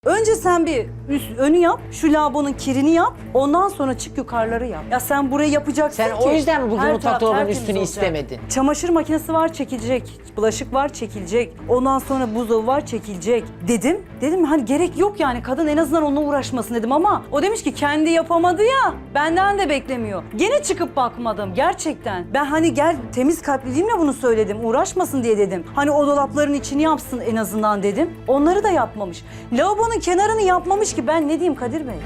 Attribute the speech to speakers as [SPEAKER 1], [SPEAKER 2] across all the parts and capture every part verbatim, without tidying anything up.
[SPEAKER 1] Önce sen bir üst, önü yap, şu lavabonun kirini yap, ondan sonra çık yukarıları yap. Ya sen burayı yapacaksın
[SPEAKER 2] Sen
[SPEAKER 1] ki.
[SPEAKER 2] o yüzden mi bugün
[SPEAKER 1] her
[SPEAKER 2] mutfakta
[SPEAKER 1] taraf
[SPEAKER 2] dolabın
[SPEAKER 1] tertemiz
[SPEAKER 2] üstünü
[SPEAKER 1] olacak.
[SPEAKER 2] istemedin?
[SPEAKER 1] Çamaşır makinesi var çekilecek, bulaşık var çekilecek, ondan sonra buzdolabı var çekilecek dedim. Dedim hani gerek yok yani kadın en azından onunla uğraşmasın dedim ama o demiş ki kendi yapamadı ya, benden de beklemiyor. Gene çıkıp bakmadım gerçekten. Ben hani gel temiz kalpliliğimle bunu söyledim, uğraşmasın diye dedim. Hani o dolapların içini yapsın en azından dedim. Onları da yapmamış. Lavabonun kenarını yapmamış ki ben ne diyeyim Kadir Bey?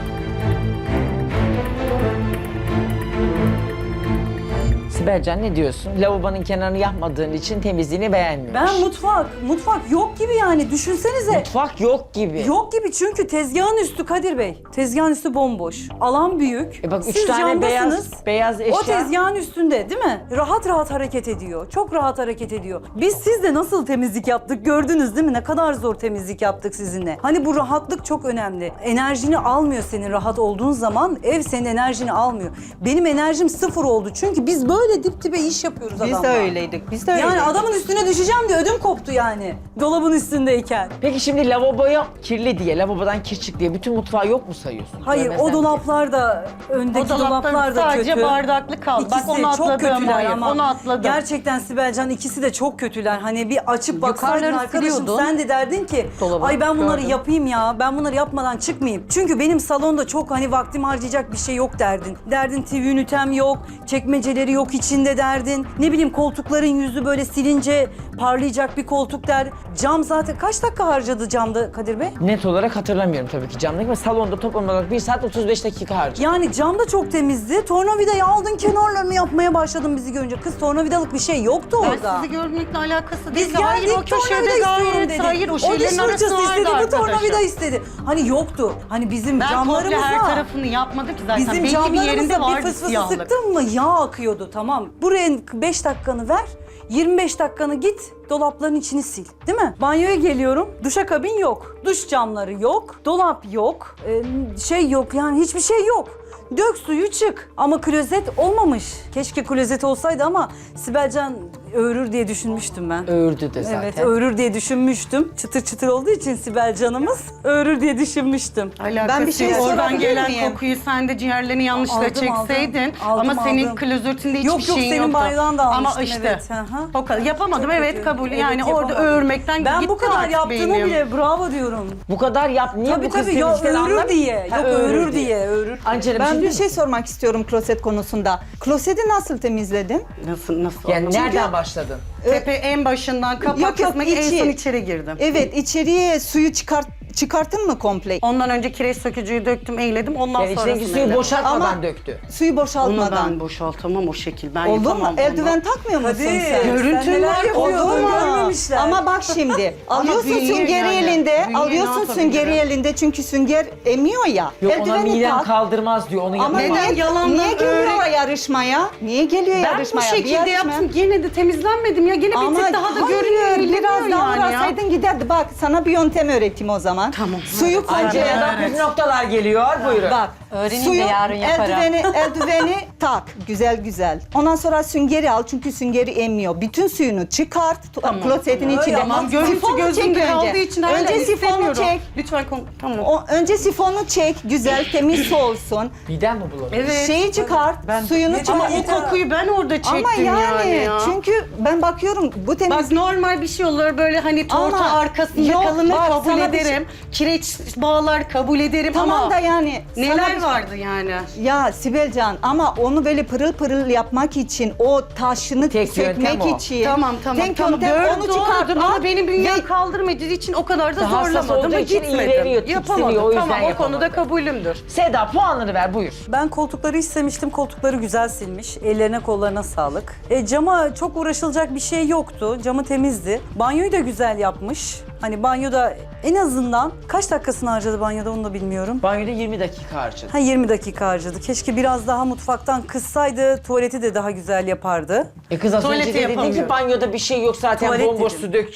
[SPEAKER 2] Sibelcan ne diyorsun? Lavabonun kenarını yapmadığın için temizliğini beğenmiyor.
[SPEAKER 1] Ben mutfak, mutfak yok gibi yani düşünsenize.
[SPEAKER 2] Mutfak yok gibi.
[SPEAKER 1] Yok gibi çünkü tezgahın üstü Kadir Bey. Tezgahın üstü bomboş. Alan büyük.
[SPEAKER 2] E bak üç
[SPEAKER 1] Siz
[SPEAKER 2] tane
[SPEAKER 1] camdasınız.
[SPEAKER 2] beyaz beyaz eşya.
[SPEAKER 1] O tezgahın üstünde değil mi? Rahat rahat hareket ediyor. Çok rahat hareket ediyor. Biz sizde nasıl temizlik yaptık gördünüz değil mi? Ne kadar zor temizlik yaptık sizinle. Hani bu rahatlık çok önemli. Enerjini almıyor senin rahat olduğun zaman. Ev senin enerjini almıyor. Benim enerjim sıfır oldu. Çünkü biz böyle dip dibe iş yapıyoruz
[SPEAKER 3] Biz
[SPEAKER 1] adamla.
[SPEAKER 3] de öyleydik. Biz de öyleydik.
[SPEAKER 1] Yani adamın üstüne düşeceğim diye ödüm koptu yani. Dolabın üstündeyken.
[SPEAKER 2] Peki şimdi lavaboya kirli diye, lavabodan kir çık diye bütün mutfağı yok mu sayıyorsun?
[SPEAKER 1] Hayır
[SPEAKER 2] Görmezden
[SPEAKER 1] o dolaplar da öndeki
[SPEAKER 4] O dolaplar
[SPEAKER 1] dolaplar da
[SPEAKER 4] sadece
[SPEAKER 1] kötü.
[SPEAKER 4] bardaklı kaldı. Bak
[SPEAKER 1] İkisi
[SPEAKER 4] onu
[SPEAKER 1] çok
[SPEAKER 4] atladım,
[SPEAKER 1] kötüler
[SPEAKER 4] hayır,
[SPEAKER 1] ama
[SPEAKER 4] onu atladım.
[SPEAKER 1] gerçekten Sibelcan ikisi de çok kötüler. Hani bir açıp baksaydın
[SPEAKER 4] Yukarıları
[SPEAKER 1] arkadaşım
[SPEAKER 4] siliyordun.
[SPEAKER 1] sen de derdin ki
[SPEAKER 4] Dolabı
[SPEAKER 1] ay ben bunları
[SPEAKER 4] gördüm.
[SPEAKER 1] yapayım ya ben bunları yapmadan çıkmayayım. Çünkü benim salonda çok hani vaktimi harcayacak bir şey yok derdin. Derdin T V ünitem yok, çekmeceleri yok içinde derdin. Ne bileyim koltukların yüzü böyle silince parlayacak bir koltuk der. Cam zaten kaç dakika harcadı camda Kadir Bey?
[SPEAKER 2] Net olarak hatırlamıyorum tabii ki camdaki ama salonda toplam olarak bir saat otuz beş dakika harcadım.
[SPEAKER 1] Yani cam da çok temizdi. Tornavidayı aldın kenarlarını yapmaya başladın bizi görünce. Kız tornavidalık bir şey yoktu
[SPEAKER 4] Ben
[SPEAKER 1] orada.
[SPEAKER 4] sizi görmekle alakası
[SPEAKER 1] Biz
[SPEAKER 4] değil. Hayır
[SPEAKER 1] geldik
[SPEAKER 4] o köşede
[SPEAKER 1] tornavida istiyorum
[SPEAKER 4] gayet
[SPEAKER 1] dedi.
[SPEAKER 4] hayır o
[SPEAKER 1] o diş
[SPEAKER 4] şeylerin
[SPEAKER 1] fırçası
[SPEAKER 4] arasında
[SPEAKER 1] istedi,
[SPEAKER 4] vardı
[SPEAKER 1] bu tornavida
[SPEAKER 4] arkadaşım.
[SPEAKER 1] istedi. Hani yoktu. Hani bizim
[SPEAKER 4] Ben komple
[SPEAKER 1] camlarımızda...
[SPEAKER 4] her tarafını yapmadım ki zaten.
[SPEAKER 1] Bizim
[SPEAKER 4] Belki bir
[SPEAKER 1] camlarımızda
[SPEAKER 4] yerinde
[SPEAKER 1] bir
[SPEAKER 4] vardı
[SPEAKER 1] fıs fısı
[SPEAKER 4] siyahlık.
[SPEAKER 1] sıktın mı yağ akıyordu tamam. Buraya beş dakikanı ver. yirmi beş dakikanı git dolapların içini sil değil mi? Banyoya geliyorum duşakabin yok. Duş camları yok. Dolap yok. Ee, şey yok yani hiçbir şey yok. Dök suyu çık. Ama klozet olmamış. Keşke klozet olsaydı ama Sibelcan öğürür diye düşünmüştüm ben.
[SPEAKER 2] Öğürdü de zaten.
[SPEAKER 1] Evet öğürür diye düşünmüştüm. Çıtır çıtır olduğu için Sibelcan'ımız öğürür diye düşünmüştüm.
[SPEAKER 4] Alakası
[SPEAKER 3] Ben bir şey
[SPEAKER 4] yok. Oradan
[SPEAKER 3] sorabilir
[SPEAKER 4] gelen
[SPEAKER 3] miyim?
[SPEAKER 4] kokuyu sen de ciğerlerini yanlışla
[SPEAKER 1] Aldım,
[SPEAKER 4] çekseydin.
[SPEAKER 1] aldım. Aldım,
[SPEAKER 4] ama senin
[SPEAKER 1] aldım.
[SPEAKER 4] klozetinde hiçbir
[SPEAKER 1] Yok, yok,
[SPEAKER 4] şeyin
[SPEAKER 1] senin
[SPEAKER 4] yoktu.
[SPEAKER 1] banyodan da
[SPEAKER 4] Ama
[SPEAKER 1] almıştım,
[SPEAKER 4] işte.
[SPEAKER 1] evet, hı hı.
[SPEAKER 4] O kadar. Yapamadım
[SPEAKER 1] Çok
[SPEAKER 4] evet
[SPEAKER 1] kötü.
[SPEAKER 4] kabul.
[SPEAKER 1] Evet,
[SPEAKER 4] Yani orada
[SPEAKER 1] yapamadım.
[SPEAKER 4] öğürmekten
[SPEAKER 1] Ben
[SPEAKER 4] gitti
[SPEAKER 1] bu kadar
[SPEAKER 4] artık
[SPEAKER 1] yaptığını
[SPEAKER 4] beynim.
[SPEAKER 1] bile bravo diyorum.
[SPEAKER 2] Bu kadar yap. Niye
[SPEAKER 1] Tabii
[SPEAKER 2] bu kız
[SPEAKER 1] tabii yok
[SPEAKER 2] temizlikten
[SPEAKER 1] öğürür
[SPEAKER 2] anlamıyor?
[SPEAKER 1] diye.
[SPEAKER 2] Ha,
[SPEAKER 1] Yok öğürür diye, öğürür.
[SPEAKER 2] Angela
[SPEAKER 3] Ben
[SPEAKER 2] bir
[SPEAKER 3] bir
[SPEAKER 2] şey,
[SPEAKER 3] şey sormak istiyorum kloset konusunda. Kloseti nasıl temizledin?
[SPEAKER 4] Nasıl nasıl?
[SPEAKER 2] yani
[SPEAKER 4] oldu?
[SPEAKER 2] nereden başladın?
[SPEAKER 4] Tepe en başından kapak
[SPEAKER 3] Yok, yok,
[SPEAKER 4] kısmı en
[SPEAKER 3] içi.
[SPEAKER 4] son içeri girdim.
[SPEAKER 3] Evet, içeriye suyu çıkart çıkarttın mı komple?
[SPEAKER 4] Ondan önce kireç sökücüyü döktüm, eğledim. Ondan
[SPEAKER 2] Yani
[SPEAKER 4] sonrasını
[SPEAKER 2] içindeki suyu
[SPEAKER 4] eledim.
[SPEAKER 2] boşaltmadan
[SPEAKER 3] Ama-
[SPEAKER 2] döktü.
[SPEAKER 3] Suyu
[SPEAKER 4] Onu
[SPEAKER 3] boşaltmadan.
[SPEAKER 4] ben boşaltamam o şekil. Ben
[SPEAKER 3] Oldu mu?
[SPEAKER 4] yapamam onu.
[SPEAKER 3] Eldiven takmıyor musun
[SPEAKER 1] Hadi.
[SPEAKER 3] sen?
[SPEAKER 4] Görüntün
[SPEAKER 1] Sen neler
[SPEAKER 4] var,
[SPEAKER 1] yapıyordun,
[SPEAKER 4] oldu mu?
[SPEAKER 1] görmemişler.
[SPEAKER 3] Ama bak şimdi, alıyorsun
[SPEAKER 4] büyüyor
[SPEAKER 3] süngeri
[SPEAKER 4] yani.
[SPEAKER 3] elinde,
[SPEAKER 4] Büyüyor, ne
[SPEAKER 3] alıyorsun süngeri
[SPEAKER 4] yapabilirim?
[SPEAKER 3] elinde çünkü sünger emiyor ya.
[SPEAKER 2] Yok ona
[SPEAKER 3] Eldiveni
[SPEAKER 2] midem
[SPEAKER 3] tak.
[SPEAKER 2] kaldırmaz diyor. Onu
[SPEAKER 3] Ama
[SPEAKER 2] yapamaz.
[SPEAKER 4] Neden
[SPEAKER 3] niye,
[SPEAKER 4] yalandan
[SPEAKER 3] niye geliyor
[SPEAKER 4] öğret-
[SPEAKER 3] yarışmaya? Niye geliyor
[SPEAKER 4] Ben bu
[SPEAKER 3] yarışmaya? Bir
[SPEAKER 4] şekilde
[SPEAKER 3] yarışma-
[SPEAKER 4] yaptım. Gene de temizlenmedim ya. Gene bir
[SPEAKER 3] Ama
[SPEAKER 4] tık daha da
[SPEAKER 3] hayır,
[SPEAKER 4] görünüyor.
[SPEAKER 3] biraz
[SPEAKER 4] eğleniyor
[SPEAKER 3] daha
[SPEAKER 4] yani ya.
[SPEAKER 3] uğraşsaydın giderdi. Bak sana bir yöntem öğreteyim o zaman.
[SPEAKER 4] Tamam.
[SPEAKER 3] Suyu
[SPEAKER 4] Hadi.
[SPEAKER 3] koy.
[SPEAKER 2] Angela'dan
[SPEAKER 4] Evet.
[SPEAKER 2] püf noktalar geliyor. Buyurun.
[SPEAKER 3] Bak,
[SPEAKER 5] Öğreneyim de
[SPEAKER 3] suyu,
[SPEAKER 5] yarın yaparım.
[SPEAKER 3] eldiveni, eldiveni tak, güzel güzel. Ondan sonra süngeri al çünkü süngeri emmiyor. Bütün suyunu çıkart,
[SPEAKER 4] Tamam,
[SPEAKER 3] klozetin
[SPEAKER 4] tamam.
[SPEAKER 3] içinde.
[SPEAKER 4] Tamam, görüntü
[SPEAKER 3] Sifonu
[SPEAKER 4] gözümde
[SPEAKER 3] çek önce.
[SPEAKER 4] kaldığı için hala
[SPEAKER 3] Önce sifonu
[SPEAKER 4] istemiyorum.
[SPEAKER 3] çek.
[SPEAKER 4] Lütfen konu... Tamam.
[SPEAKER 3] O, önce sifonu çek, güzel, temiz su olsun.
[SPEAKER 2] Midem mi bulanıyor?
[SPEAKER 4] Evet.
[SPEAKER 3] Şeyi çıkart, suyunu
[SPEAKER 1] Ne-
[SPEAKER 3] çıkart.
[SPEAKER 4] Ama o kokuyu ben orada çektim
[SPEAKER 3] Ama yani,
[SPEAKER 4] ya.
[SPEAKER 3] çünkü ben bakıyorum bu temiz...
[SPEAKER 4] Bak normal bir şey olur böyle hani torta
[SPEAKER 3] Ama
[SPEAKER 4] arkasında
[SPEAKER 3] yok,
[SPEAKER 4] kalınır
[SPEAKER 3] bak,
[SPEAKER 4] kabul
[SPEAKER 3] sana bir
[SPEAKER 4] ederim. Kireç bağlar kabul ederim
[SPEAKER 3] Tamam
[SPEAKER 4] ama
[SPEAKER 3] da yani... sana
[SPEAKER 4] neler
[SPEAKER 3] bir-
[SPEAKER 4] vardı yani?
[SPEAKER 3] Ya Sibelcan ama onu böyle pırıl pırıl yapmak için o taşını
[SPEAKER 2] Tek yöntem
[SPEAKER 3] sökmek
[SPEAKER 2] o.
[SPEAKER 3] için.
[SPEAKER 4] Tamam tamam
[SPEAKER 3] tek
[SPEAKER 4] tamam
[SPEAKER 3] yöntem
[SPEAKER 4] doğru
[SPEAKER 3] onu çıkart.
[SPEAKER 4] doğrudur ama
[SPEAKER 3] al
[SPEAKER 4] benim bünyem
[SPEAKER 3] ve-
[SPEAKER 4] kaldırmadığı için o kadar da
[SPEAKER 2] Hassas
[SPEAKER 4] zorlamadım
[SPEAKER 2] olduğu
[SPEAKER 4] ve
[SPEAKER 2] için
[SPEAKER 4] gitmedim.
[SPEAKER 2] iğreniyor, tiksiniyor,
[SPEAKER 4] Yapamadım
[SPEAKER 2] o yüzden
[SPEAKER 4] tamam o
[SPEAKER 2] yapamadı.
[SPEAKER 4] konuda kabulümdür.
[SPEAKER 2] Seda puanını ver buyur.
[SPEAKER 1] Ben koltukları istemiştim. Koltukları güzel silmiş. Ellerine kollarına sağlık. E, cama çok uğraşılacak bir şey yoktu. Camı temizdi. Banyoyu da güzel yapmış. Hani banyoda en azından kaç dakikasını harcadı banyoda onu da bilmiyorum.
[SPEAKER 2] Banyoda yirmi dakika harcadım.
[SPEAKER 1] Ha yirmi dakika harcadı. Keşke biraz daha mutfaktan kıssaydı. Tuvaleti de daha güzel yapardı.
[SPEAKER 2] E kız az
[SPEAKER 4] Tuvaleti
[SPEAKER 2] önce de dedin ki
[SPEAKER 4] yapamıyorum.
[SPEAKER 2] banyoda bir şey yok zaten
[SPEAKER 1] Tuvalet
[SPEAKER 2] bomboş
[SPEAKER 1] dedim.
[SPEAKER 2] su dök çık.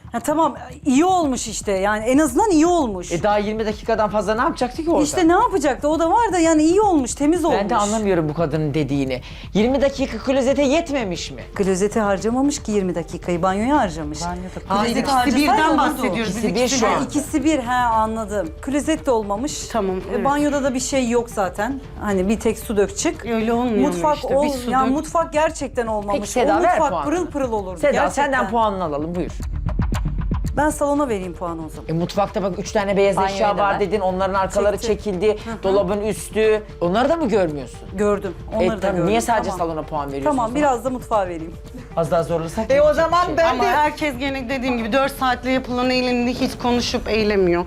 [SPEAKER 1] Ha, tamam iyi olmuş işte yani en azından iyi olmuş.
[SPEAKER 2] E daha yirmi dakikadan fazla ne yapacaktı ki orada?
[SPEAKER 1] İşte ne yapacaktı o da var da yani iyi olmuş, temiz olmuş.
[SPEAKER 2] Ben de anlamıyorum bu kadının dediğini. yirmi dakika klozete yetmemiş mi?
[SPEAKER 1] Klozeti harcamamış ki yirmi dakikayı, banyoya harcamış.
[SPEAKER 4] Hayır,
[SPEAKER 1] Klozeti
[SPEAKER 4] ikisi
[SPEAKER 1] harcasaydı
[SPEAKER 4] birden
[SPEAKER 1] olurdu.
[SPEAKER 4] bahsediyoruz. Biz
[SPEAKER 2] İkisi bir
[SPEAKER 4] ikisi
[SPEAKER 2] şu
[SPEAKER 4] bir.
[SPEAKER 2] an.
[SPEAKER 1] İkisi bir, he anladım. Klozet de olmamış.
[SPEAKER 4] Tamam,
[SPEAKER 1] E,
[SPEAKER 4] evet.
[SPEAKER 1] banyoda da bir şey yok zaten. Hani bir tek su dök çık.
[SPEAKER 4] Öyle olmuyor
[SPEAKER 1] Mutfak
[SPEAKER 4] işte,
[SPEAKER 1] ol,
[SPEAKER 4] bir su
[SPEAKER 1] yani
[SPEAKER 4] dök.
[SPEAKER 1] mutfak gerçekten olmamış.
[SPEAKER 2] Peki Seda,
[SPEAKER 1] o
[SPEAKER 2] ver
[SPEAKER 1] mutfak
[SPEAKER 2] puanını.
[SPEAKER 1] pırıl pırıl olurdu.
[SPEAKER 2] Seda
[SPEAKER 1] gerçekten.
[SPEAKER 2] senden puanını alalım buyur.
[SPEAKER 1] Ben salona vereyim puanı o zaman.
[SPEAKER 2] E, mutfakta bak üç tane beyaz
[SPEAKER 5] Banyoya
[SPEAKER 2] eşya
[SPEAKER 5] da
[SPEAKER 2] var
[SPEAKER 5] ver.
[SPEAKER 2] dedin. Onların arkaları
[SPEAKER 1] Çekti.
[SPEAKER 2] çekildi. Dolabın üstü. Onları da mı görmüyorsun?
[SPEAKER 1] Gördüm. Onları
[SPEAKER 2] E,
[SPEAKER 1] da
[SPEAKER 2] tamam,
[SPEAKER 1] gördüm.
[SPEAKER 2] niye sadece
[SPEAKER 1] Tamam.
[SPEAKER 2] salona puan veriyorsun?
[SPEAKER 1] Tamam
[SPEAKER 2] o zaman?
[SPEAKER 1] biraz da mutfağa vereyim.
[SPEAKER 2] Az daha zorlasak.
[SPEAKER 3] E o
[SPEAKER 2] yapacak
[SPEAKER 3] zaman
[SPEAKER 2] bir şey.
[SPEAKER 3] ben
[SPEAKER 4] Ama
[SPEAKER 3] de
[SPEAKER 4] herkes gene dediğim gibi dört saatle yapılan eğlenini hiç konuşup eğlemiyor.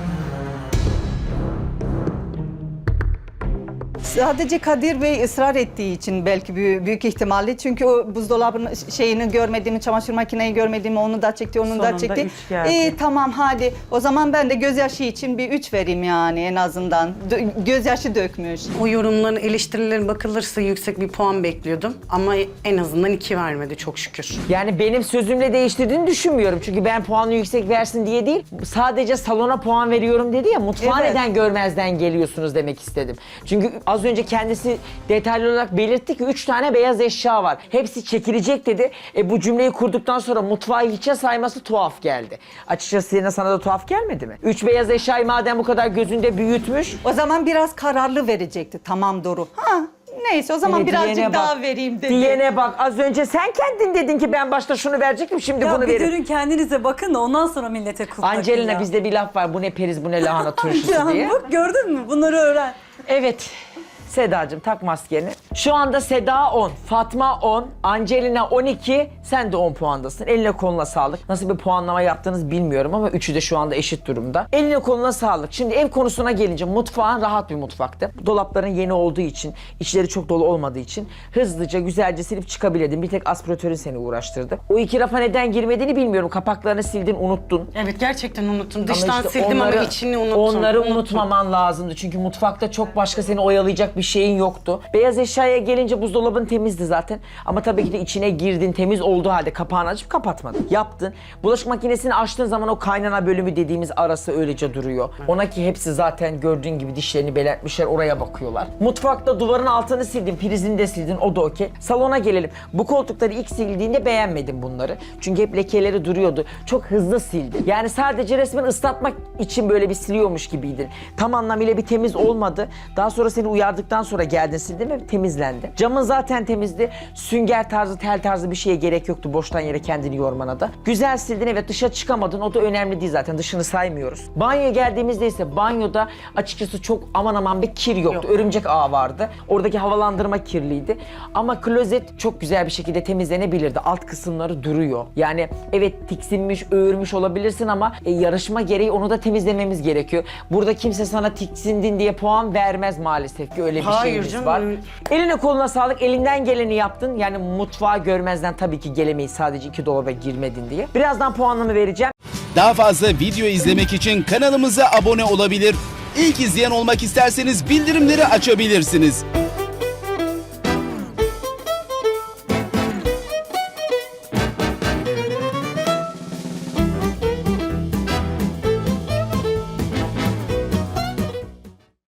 [SPEAKER 3] sadece Kadir Bey ısrar ettiği için belki büyük, büyük ihtimalle. Çünkü o buzdolabının şeyini görmediğimi, çamaşır makineyi görmediğimi, onu da çekti, onu da
[SPEAKER 5] Sonunda
[SPEAKER 3] çekti.
[SPEAKER 5] üç geldi.
[SPEAKER 3] İyi tamam hadi. O zaman ben de gözyaşı için bir üç vereyim yani en azından. Dö- gözyaşı dökmüş.
[SPEAKER 4] O yorumların, eleştirilerin bakılırsa yüksek bir puan bekliyordum. Ama en azından iki vermedi çok şükür.
[SPEAKER 2] Yani benim sözümle değiştirdiğini düşünmüyorum. Çünkü ben puanı yüksek versin diye değil. Sadece salona puan veriyorum dedi ya. Mutfağı
[SPEAKER 3] Evet.
[SPEAKER 2] neden görmezden geliyorsunuz demek istedim. Çünkü az önce kendisi detaylı olarak belirtti ki üç tane beyaz eşya var. Hepsi çekilecek dedi. E bu cümleyi kurduktan sonra mutfağı hiçe sayması tuhaf geldi. Açıkçası yine sana da tuhaf gelmedi mi? Üç beyaz eşyayı madem bu kadar gözünde büyütmüş.
[SPEAKER 3] O zaman biraz kararlı verecekti. Tamam Doru. Ha neyse o zaman
[SPEAKER 2] Yine
[SPEAKER 3] birazcık
[SPEAKER 2] diyene
[SPEAKER 3] daha
[SPEAKER 2] bak,
[SPEAKER 3] vereyim dedi.
[SPEAKER 2] Diyene bak, az önce sen kendin dedin ki ben başta şunu verecektim, şimdi
[SPEAKER 1] Ya
[SPEAKER 2] bunu
[SPEAKER 1] bir
[SPEAKER 2] veririm.
[SPEAKER 1] dönün kendinize bakın da ondan sonra millete kulp takın
[SPEAKER 2] Angelina
[SPEAKER 1] ya.
[SPEAKER 2] bizde bir laf var, bu ne periz bu ne lahana turşusu
[SPEAKER 1] Ya
[SPEAKER 2] diye.
[SPEAKER 1] bak gördün mü? Bunları öğren.
[SPEAKER 2] Evet. Sedacığım tak maskeni. Şu anda Seda on, Fatma on, Angelina on iki, sen de on puandasın. Eline koluna sağlık. Nasıl bir puanlama yaptığınızı bilmiyorum ama üçü de şu anda eşit durumda. Eline koluna sağlık. Şimdi ev konusuna gelince mutfağın rahat bir mutfaktı. Dolapların yeni olduğu için, içleri çok dolu olmadığı için hızlıca güzelce silip çıkabildin. Bir tek aspiratörün seni uğraştırdı. O iki rafa neden girmediğini bilmiyorum. Kapaklarını sildin, unuttun.
[SPEAKER 4] Evet gerçekten unuttum.
[SPEAKER 2] Ama
[SPEAKER 4] Dıştan
[SPEAKER 2] işte
[SPEAKER 4] sildim
[SPEAKER 2] onları-
[SPEAKER 4] ama içini unuttum.
[SPEAKER 2] Onları
[SPEAKER 4] Unuttum.
[SPEAKER 2] unutmaman lazımdı. Çünkü mutfakta çok başka seni oyalayacak bir şeyin yoktu. Beyaz eşyaya gelince buzdolabın temizdi zaten. Ama tabii ki de içine girdin, temiz olduğu halde kapağını açıp kapatmadın. Yaptın. Bulaşık makinesini açtığın zaman o kaynana bölümü dediğimiz arası öylece duruyor. Ona ki hepsi zaten gördüğün gibi dişlerini belirtmişler, oraya bakıyorlar. Mutfakta duvarın altını sildin, prizini de sildin, o da okey. Salona gelelim. Bu koltukları ilk sildiğinde beğenmedim bunları. Çünkü hep lekeleri duruyordu. Çok hızlı sildi. Yani sadece resmen ıslatmak için böyle bir siliyormuş gibiydin. Tam anlamıyla bir temiz olmadı. Daha sonra seni uyardıktan sonra geldin sildin ve temizlendi. Camın zaten temizdi. Sünger tarzı, tel tarzı bir şeye gerek yoktu boştan yere kendini yormana da. Güzel sildin, evet, dışa çıkamadın. O da önemli değil zaten. Dışını saymıyoruz. Banyoya geldiğimizde ise banyoda açıkçası çok aman aman bir kir yoktu.
[SPEAKER 4] Yok.
[SPEAKER 2] Örümcek ağı vardı. Oradaki havalandırma kirliydi. Ama klozet çok güzel bir şekilde temizlenebilirdi. Alt kısımları duruyor. Yani evet tiksinmiş, öğürmüş olabilirsin ama e, yarışma gereği onu da temizlememiz gerekiyor. Burada kimse sana tiksindin diye puan vermez maalesef ki, öyle bir
[SPEAKER 4] Hayır
[SPEAKER 2] şeyimiz
[SPEAKER 4] canım.
[SPEAKER 2] var. Eline koluna sağlık, elinden geleni yaptın. Yani mutfağı görmezden tabii ki gelemeyiz sadece iki dolaba girmedin diye. Birazdan puanımı vereceğim.
[SPEAKER 6] Daha fazla video izlemek için kanalımıza abone olabilir. İlk izleyen olmak isterseniz bildirimleri açabilirsiniz.